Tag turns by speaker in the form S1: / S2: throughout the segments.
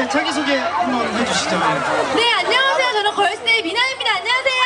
S1: 네, 자기소개 한번 해주시죠.
S2: 네, 안녕하세요. 저는 걸스데이 미나입니다. 안녕하세요.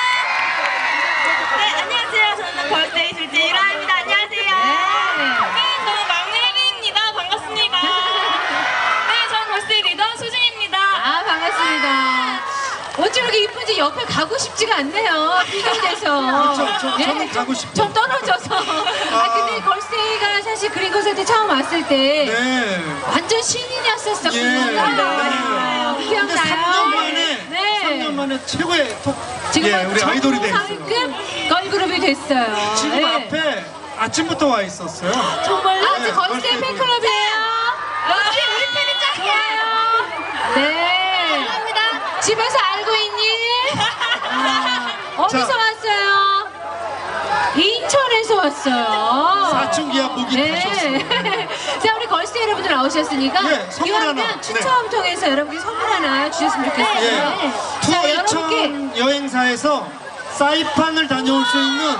S3: 네, 안녕하세요. 저는 걸스데이 둘째 유라입니다. 안녕하세요. 네, 저는 막내 혜리입니다. 반갑습니다. 네, 저는 걸스데이 리더 수진입니다.
S2: 아, 반갑습니다. 어찌 이렇게 이쁜지 옆에 가고 싶지가 않네요. 비교돼서.
S1: 그쵸, 저는 가고 싶죠.
S2: 좀 떨어져서. 근데 걸스데이가 사실 그린 콘서트 처음 왔을 때
S1: 네.
S2: 완전 신인이었었거든요.
S1: 예.
S2: 기억나요?
S1: 3년 만에,
S2: 네.
S1: 3년 만에 최고의
S2: 지금은
S1: 우리 아이돌이 됐어요.
S2: 정상급 걸그룹이 됐어요.
S1: 지금
S2: 네.
S1: 앞에 아침부터 와 있었어요.
S2: 정말로?
S1: 네,
S2: 걸스데이
S1: 걸스데이
S2: 팬클럽이에요.
S3: 역시 우리 팬이 짱이에요.
S2: 네.
S3: 감사합니다.
S2: 집에서 알고 있니? 어디서
S1: 자.
S2: 왔어요? 인천에서 왔어요.
S1: 사춘기와 목이 타셨어요.
S2: 자, 우리 걸스데이 여러분들 나오셨으니까
S1: 네, 선물
S2: 기왕이면
S1: 하나.
S2: 추첨 통해서 여러분께 선물 하나 주셨으면 좋겠어요.
S1: 예.
S2: 자, 여러분께
S1: 투어이천 여행사에서 사이판을 다녀올 수 있는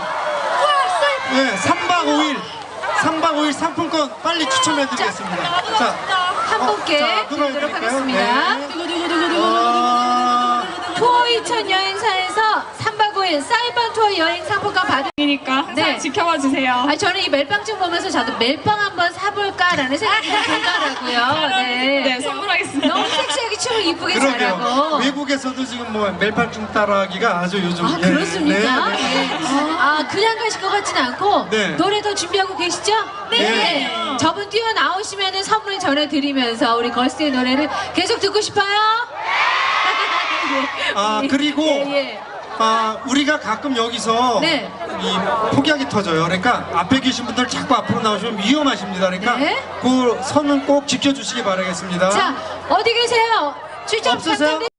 S1: 3박 5일 상품권 빨리 추첨해드리겠습니다. 자,
S2: 한 분께
S1: 자,
S2: 드리도록
S1: 들어드릴까요?
S2: 하겠습니다.
S1: 네.
S2: 투어 2000 여행사에서 3박 5일 사이판 투어 여행 상품권 받으
S3: 그러니까 항상
S2: 네.
S3: 지켜봐 주세요.
S2: 저는 이 멜빵증 보면서 저도 멜빵 한번 사볼까라는 생각이 들더라고요.
S3: 네, 선물하겠습니다.
S2: 너무 섹시하게 춤을 이쁘게
S1: 그러게요.
S2: 잘하고.
S1: 외국에서도 지금 뭐 멜빵증 따라하기가 아주 요즘.
S2: 아,
S1: 예.
S2: 그렇습니까?
S1: 네, 네.
S2: 아, 그냥 가실 것 같진 않고
S1: 네.
S2: 노래 더 준비하고 계시죠?
S1: 네.
S2: 저분 뛰어나오시면 선물 전해드리면서 우리 걸스데이 노래를 계속 듣고 싶어요?
S1: 아, 그리고
S2: 예.
S1: 우리가 가끔 여기서
S2: 네.
S1: 이 폭약이 터져요. 그러니까 앞에 계신 분들 자꾸 앞으로 나오시면 위험하십니다. 그러니까
S2: 네.
S1: 그 선은 꼭 지켜주시기 바라겠습니다.
S2: 자, 어디 계세요? 출장
S1: 없으세요?
S2: 부탁드립니다.